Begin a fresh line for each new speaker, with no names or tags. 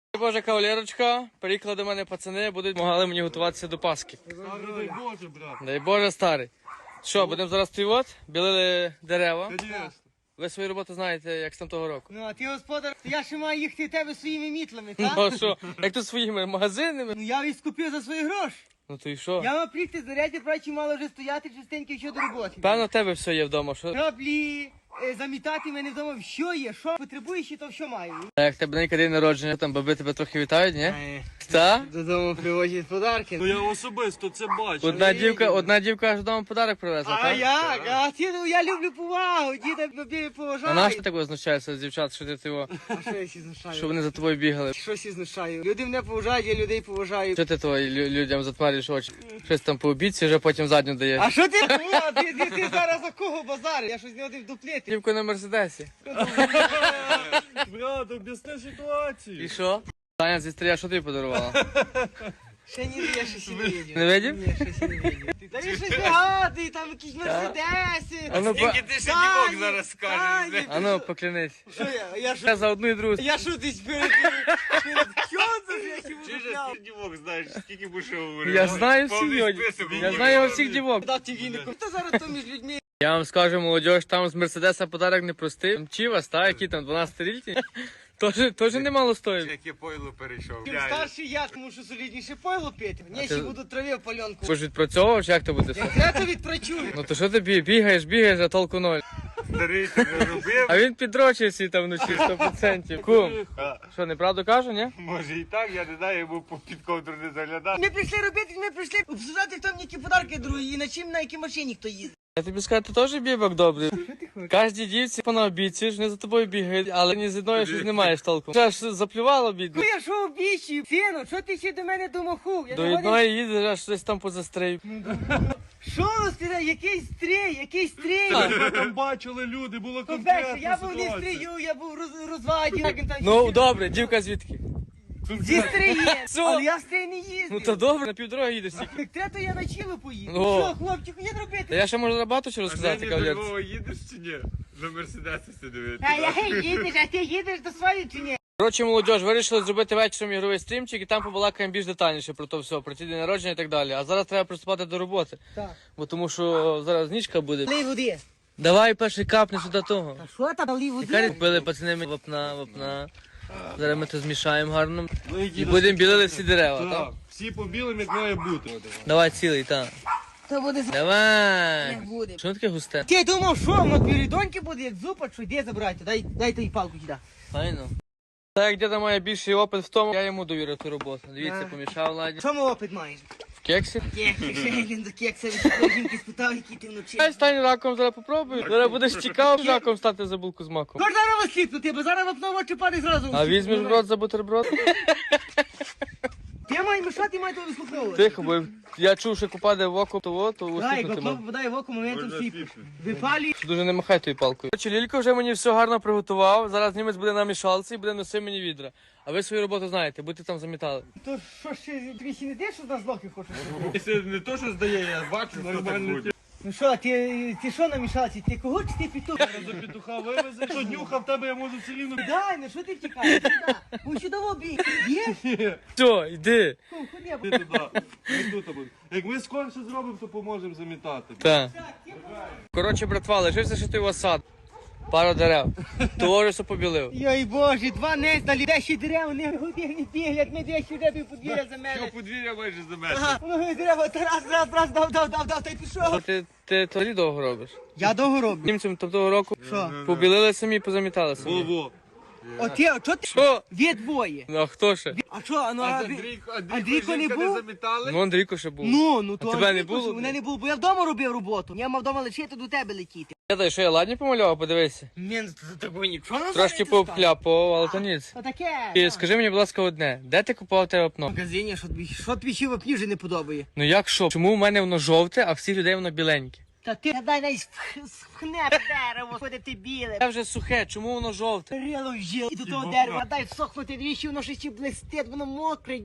Боже, кавалерочка, приїхали до мене пацани, будуть допомагали мені готуватися до Пасхи.
Дай Боже, брат.
Дай Боже, старий. Що, будемо зараз от, білили дерева.
Конечно.
Ви свою роботу знаєте, як з там того року.
Ну, а ти, господар, я ще маю їхати в тебе своїми мітлами, так?
Ну а що, як тут своїми магазинами?
Ну, я їх скупив за свої гроші.
Ну то і що?
Я мав приїхати заряді, прачі мало вже стояти частенько ще до роботи.
Певно, в тебе все є вдома, що?
Краплі, замітати мене вдома, що є, що потребуєш і то що маю.
А як тебе ненька день народження, там баби тебе трохи вітають, ні? Та?
Додому привозять подарки.
Ну я особисто це бачу.
Одна дівка аж вдома подарок привезла,
А
так?
як? А ти, ну, я люблю повагу, діда бабі
А
поважаю.
наш ти так означається з дівчат, що ти його,
А що я сі знушаю?
що вони за тобою бігали?
Щось і знушаю. Люди мене поважають, я людей поважаю.
Що ти твої людям затварюєш очі? Щось там по обіці, вже потім задню даєш.
А що ти? Ти зараз за кого базариш? Я щось не один вдуплити.
Дівку на Мерседесі.
Брат, об'ясни ситуацію.
І що? Таня зі стрія, що ти подарувала?
Ще ні, я щось не видів.
Не видів?
Ні, щось не видів. Та він щось вигадує, там якісь мерседеси.
А ну,
ти ще дівок зараз скажеш.
а ну поклянись.
Що я? Я що?
Я за одну і другу.
Я що десь перед Кьонзом я ще буду пляв.
дівок знаєш, скільки будеш говорити.
Я знаю всіх його. Я знаю його всіх дівок.
Дати вінику. Хто зараз то між людьми?
Я вам скажу, молодь, там з Мерседеса подарок не простий. Чівас, та, які там 12-річні. Теж немало стоїть.
Яке пойло перейшов.
Чим старший я, тому що солідніше пойло пити. Ні, ще буду траві в пальонку.
Ви ж відпрацьовував, чи як то буде?
Я то відпрацюю.
Ну то що ти бігаєш, а толку ноль.
Старий ти не робив.
А він підрочив всі там вночі 100%. Кум, що, неправду кажу, ні?
Може і так, я не знаю, йому під ковдру не заглядав.
Ми прийшли робити, ми прийшли обсуждати, хто мені які подарки другі і на чим, на якій машині хто їздить.
Я тобі скажу, ти теж бібок добрий.
Що ти хочеш?
Кожній дівці понаобіцюєш, вони за тобою бігають, але ні з одної щось не маєш толку. Аж заплювало бідно.
Ну я що обіщую? Сину, що ти ще до мене домахув? Я
До
не годен-
одної їдеш, аж щось там позастрив.
Що ти, який стрій?
Ми там бачили люди, було
По-перше,
конкретна
я був не
ситуація.
стрію, я був розваді. як він там
Ну
ще-
добре, дівка звідки?
Зі стрієм,
Що?
але я в стрій не їздив.
Ну то добре, на півдороги їдеш тільки.
Так треба, то я на чило поїду.
Ну.
Що, хлопчику, є
Та
робити?
я ще можу багато чого розказати,
До
кавалерці.
Львова їдеш чи ні? На Мерседесі дивитися.
А я їдеш, а ти їдеш до своєї чи ні?
Коротше, молодь, вирішили зробити вечором ігровий стрімчик і там побалакаємо більш детальніше про то все, про ті день народження і так далі. А зараз треба приступати до роботи.
Так.
Бо тому що зараз нічка буде.
Лей води.
Давай перший капни сюди того.
А що там, лей
Карі
води?
купили пацани вапна. Зараз ми то змішаємо гарно. І будемо білили всі дерева, так?
Так, всі по білим, як має бути.
Давай цілий, так.
То буде
Давай.
Не буде.
Що таке густе?
Ти думав, що воно пірідоньки буде, як зупа, що йде забирайте, дай той палку сюди.
Файно. Так як діда має більший опит в тому, я йому довірив ту роботу. Дивіться, помішав ладі.
Що ми опит маєш?
В кексі.
Він до кекса від жінки спитав, який ти вночі.
Ай, стань раком, зараз попробуй. Зараз будеш цікаво раком стати за булку з маком.
Кож зараз осліпнути, бо зараз вапно в очі падає зразу.
А візьмеш в рот за бутерброд?
Я маю мішати, маю то вислуховувати.
Тихо, бо я чув, що купаде в око, то
Дай,
усипнути
котло
можна.
попадає в око, моментом
Можна
всі
сліпнути.
випалі.
Дуже не махай тою палкою. Короче, Лілько вже мені все гарно приготував. Зараз німець буде на мішалці і буде носити мені відра. А ви свою роботу знаєте, будете там замітали.
То що ще, тобі ще не де, що нас лохи хочеш?
Якщо не то, що здає, я бачу, що так буде.
Ну що, ти що намішався? Ти кого чи ти пітух?
За петуха вивезе, що днюха в тебе, я можу все рівно.
Дай, ну що ти втікаєш? Сюди. Ну сюди в обій. Є?
Все, йди.
Кум, ходи.
Ти туди, ми тут будемо. Як ми скорше зробимо, то поможемо замітати.
Так. Коротше, братва, лишився ще той осад. Пару дерев. Того все побілив.
Йой боже, два нездалі, де ще дерева, не години біглять, ми де ще дерева подвір'я за
Що
мене.
подвір'я майже за мене.
Ага, ну дерева, раз, дав, та й пішов.
Ти тоді довго робиш.
Я довго роблю.
Німцям того року
Що?
побілили самі, позамітали самі.
Во-во.
От я, що ти?
Що?
Ви двоє.
Ну а хто ще?
А що, ну,
А
а
з
ви-
Андрійко
Андрійко не
жінка
був?
замітали?
Ну Андрійко ще був.
Ну, то
А тебе не
Андрійко,
було?
що мене не було, бо я вдома робив роботу. Я мав вдома лишити до тебе летіти.
Я дай, що я ладні помалював, подивися.
Мен такого нічого не
Трошки пообхляпав, але то ніц.
Отаке.
І скажи мені, будь ласка, одне, де ти купував те
В
вапно?
магазині, що тобі ще в вже не подобає?
Ну як що? Чому в мене воно жовте, а всіх людей воно біленьке?
Та ти дай навіть вхне дерево, ходити біле.
Це вже сухе, чому воно жовте?
Рило жил і до того дерева, дай всохнути двічі, воно ще блистить, воно мокре.